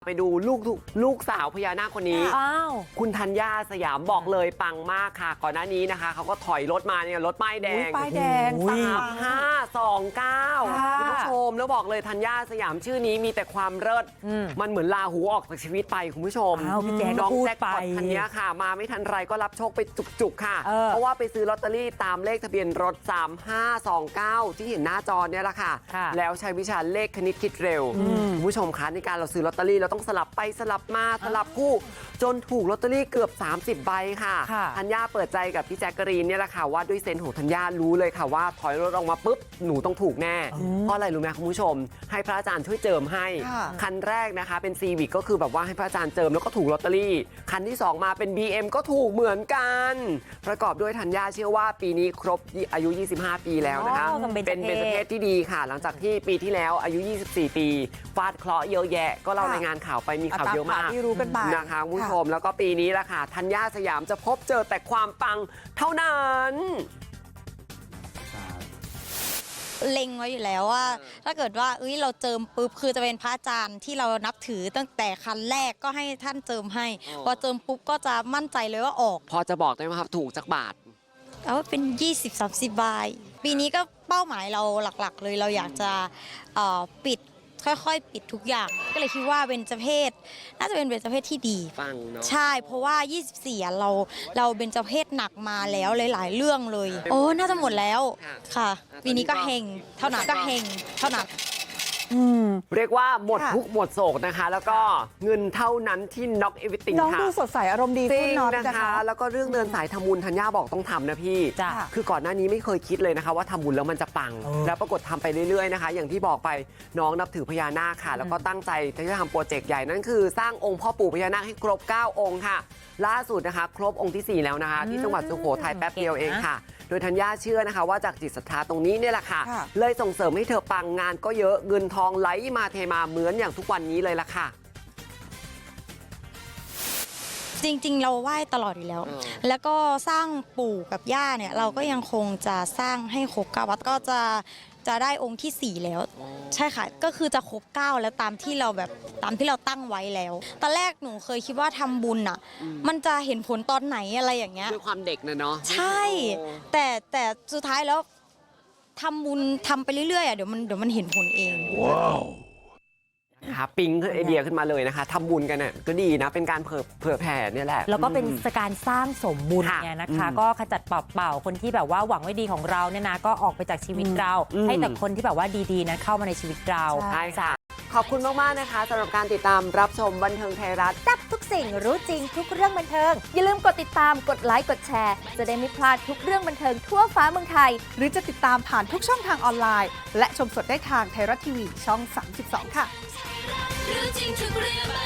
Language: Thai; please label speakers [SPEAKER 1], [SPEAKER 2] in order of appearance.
[SPEAKER 1] ไปดูลูกสาวพญานาคคนนี้คุณธัญญาสยามบอกเลยปังมากค่ะก่อนหน้านี้นะคะเขาก็ถอยรถมาเนี่ยรถป้ายแดง3529คุณผู้ชมแล้วบอกเลยธัญญาสยามชื่อนี้มีแต่ความเลิศมันเหมือนลาหูออกจากชีวิตไปคุณผู้ชมน้องแจ็คพอตธัญญาค่ะมาไม่ทันไรก็รับโชคไปจุกๆค่ะเพราะว่าไปซื้อลอตเตอรี่ตามเลขทะเบียนรถ3529ที่เห็นหน้าจอเนี่ยแหละค่ะแล้วใช้วิชาเลขคณิตคิดเร็วคุณผู้ชมคะในการเราซื้อลอตเตอรี่เราต้องสลับไปสลับมาสลับคู่จนถูกลอตเตอรี่เกือบ30ใบค่ะธัญญาเปิดใจกับพี่แจ๊กกะรีนเนี่ยแหละค่ะว่าด้วยเซนส์ของธัญญารู้เลยค่ะว่าถอยรถออกมาปุ๊บหนูต้องถูกแน่เพราะอะไรรู้ไหมคุณผู้ชมให้พระอาจารย์ช่วยเจิมให้คันแรกนะคะเป็นซีวิกก็คือแบบว่าให้พระอาจารย์เจิมแล้วก็ถูกลอตเตอรี่คันที่2มาเป็น BM ก็ถูกเหมือนกันประกอบด้วยธัญญาเชื่อว่าปีนี้ครบอายุ25ปีแล้วนะคะเป็นเบญจเพศที่ดีค่ะหลังจากที่ปีที่แล้วอายุ24ปีฟาดเคราะห์เยอะแยะก็เรารายงานข่าวไปมีข่าวเยอะมากนะคะคุณผู้ชมแล้วก็ปีนี้ละค่ะธัญญาสยามจะพบเจอแต่ความปังเท่านั้น
[SPEAKER 2] เล็งไว้อยู่แล้วว่าถ้าเกิดว่าเราเจิมปุ๊บคือจะเป็นพระอาจารย์ที่เรานับถือตั้งแต่คันแรกก็ให้ท่านเจิมให้พอเจิมปุ๊บก็จะมั่นใจเลยว่าออก
[SPEAKER 1] พอจะบอกได้ไหมครับถูกจักบาท
[SPEAKER 2] แล้วเป็น 20-30 ใบปีนี้ก็เป้าหมายเราหลักๆเลยเราอยากจะปิดค่อยๆปิดทุกอย่างก็เลยคิดว่าเบญจเพศน่าจะเป็นเบญจเพศที่ดี
[SPEAKER 1] ฟังเนาะ
[SPEAKER 2] ใช่เพราะว่า24เราเบญจเพศหนักมาแล้วหลายๆเรื่องเลยโอ้น่าจะหมดแล้วค่ะปีนี้ก็เฮงเท่านั้น
[SPEAKER 1] เรียกว่าหมดทุกหมดโศกนะคะแล้วก็เงินเท่านั้นที่น็อกเอวิติงค่ะ
[SPEAKER 3] น้องดูสดใสอารมณ์ดีขึ้น
[SPEAKER 1] นะคะแล้วก็เรื่องเดินสายทำบุญธัญญาบอกต้องทำนะพี่คือก่อนหน้านี้ไม่เคยคิดเลยนะคะว่าทำบุญแล้วมันจะปังแล้วปรากฏทำไปเรื่อยๆนะคะอย่างที่บอกไปน้องนับถือพญานาคค่ะแล้วก็ตั้งใจที่จะทำโปรเจกต์ใหญ่นั่นคือสร้างองค์พ่อปู่พญานาคให้ครบ9องค์ค่ะล่าสุดนะคะครบองค์ที่4แล้วนะคะที่จังหวัดสุโขทัยแป๊บเดียวเองค่ะโดยธัญญาเชื่อนะคะว่าจากจิตศรัทธาตรงนี้เนี่ยแหละค่ะเลยส่งเสริมให้เธอปังงานก็เยอะเงินทองไหลมาเทมาเหมือนอย่างทุกวันนี้เลยล่ะค่ะ
[SPEAKER 2] จริงๆเราไหว้ตลอดอยู่แล้วแล้วก็สร้างปู่กับย่าเนี่ยเราก็ยังคงจะสร้างให้ครบ9วัดก็จะได้องค์ที่4แล้วใช่ค่ะก็คือจะครบ9แล้วตามที่เราตั้งไว้แล้วตอนแรกหนูเคยคิดว่าทำบุญอ่ะมันจะเห็นผลตอนไหนอะไรอย่างเงี้ย
[SPEAKER 1] ด้วยความเด็กเนาะ
[SPEAKER 2] ใช่แต่สุดท้ายแล้วทำบุญทำไปเรื่อยๆอ่ะเดี๋ยวมันเห็นผลเองว้าว
[SPEAKER 1] ค่ะปิ๊งไอเดียขึ้นมาเลยนะคะทำบุญกันเนี่ยก็ดีนะเป็นการเผื่อแผ่เนี่ยแหละ
[SPEAKER 4] แล้วก็เป็นการสร้างสมบุญเนี่ยนะคะก็ขจัดเป่าคนที่แบบว่าหวังไว้ดีของเราเนี่ยนะก็ออกไปจากชีวิตเราให้แต่คนที่แบบว่าดีๆนั้นเข้ามาในชีวิตเรา
[SPEAKER 1] ใช่ค่ะขอบคุณมากๆนะคะสำหรับการติดตามรับชมบันเทิงไทยรัฐ
[SPEAKER 5] จับทุกสิ่งรู้จริงทุกเรื่องบันเทิงอย่าลืมกดติดตามกดไลค์กดแชร์จะได้ไม่พลาดทุกเรื่องบันเทิงทั่วฟ้าเมืองไทย
[SPEAKER 3] หรือจะติดตามผ่านทุกช่องทางออนไลน์และชมสดได้ทางไทยรัฐทีวีช่อง32ค่ะ
[SPEAKER 6] รู้จริงทุกเรื่อง